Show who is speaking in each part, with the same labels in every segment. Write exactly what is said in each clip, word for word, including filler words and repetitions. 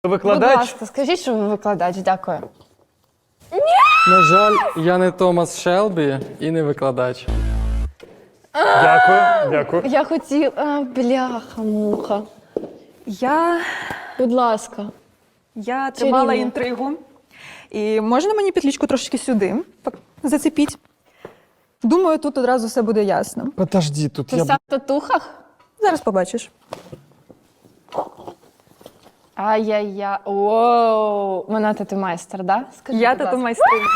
Speaker 1: Викладач?
Speaker 2: Будь ласка, скажіть, що ви викладач, дякую.
Speaker 3: На жаль, я не Томас Шелбі і не викладач.
Speaker 1: Дякую, дякую.
Speaker 2: Я хотіла. А, бляха-муха.
Speaker 4: Я,
Speaker 2: Будь ласка.
Speaker 4: я тримала
Speaker 2: Чарівно.
Speaker 4: інтригу. І можна мені петлічку трошки сюди так, зацепіть? Думаю, тут одразу все буде ясно.
Speaker 1: Подожди, тут
Speaker 2: Ти
Speaker 1: я...
Speaker 2: сам в татухах?
Speaker 4: Зараз побачиш.
Speaker 2: Ай-яй-яй. Воу. Вона тату-майстер, да? Скажи,
Speaker 4: Я
Speaker 2: будь ласка.
Speaker 4: тату майстриня.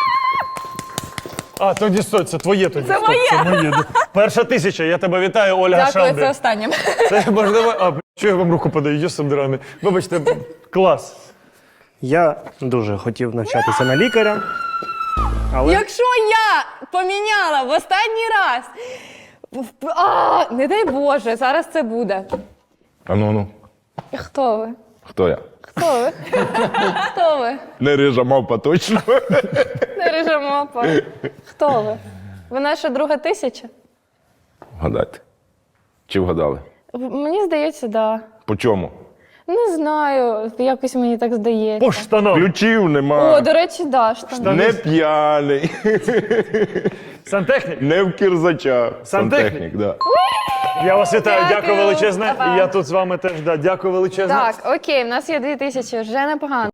Speaker 1: А, тоді стой, це твоє тоді.
Speaker 4: Це
Speaker 1: Стоп,
Speaker 4: моє.
Speaker 1: Це моє. Перша тисяча, я тебе вітаю, Ольга
Speaker 2: Дякую,
Speaker 1: Шелбі.
Speaker 2: це останнє.
Speaker 1: Це можливо... А, б**, що я вам руку подаю, Йосип Драний. Вибачте, клас.
Speaker 5: Я дуже хотів навчатися на лікаря, але
Speaker 2: Якщо я поміняла в останній раз. в- А, не дай Боже, зараз це буде.
Speaker 6: А ну ну,
Speaker 2: Хто ви?
Speaker 6: хто я?
Speaker 2: Хто ви? Хто ви?
Speaker 6: Не рижа мавпа точно.
Speaker 2: Не режемо. Хто ви? Ви наша друга тисяча?
Speaker 6: Вгадайте. Чи вгадали?
Speaker 2: В- Мені здається, да.
Speaker 6: По чому?
Speaker 2: Не знаю, якось мені так здається.
Speaker 1: По штанам.
Speaker 6: Ключів нема.
Speaker 2: О, до речі, да, штани.
Speaker 6: Не п'яний.
Speaker 1: Сантехнік.
Speaker 6: Не в кірзача.
Speaker 1: Сантехнік?
Speaker 6: да.
Speaker 1: Я вас вітаю, дякую,
Speaker 2: Дякую.
Speaker 1: величезне.
Speaker 2: Па-па.
Speaker 1: І я тут з вами теж, да, дякую величезне.
Speaker 2: Так, окей, в нас є дві тисячі, вже непогано.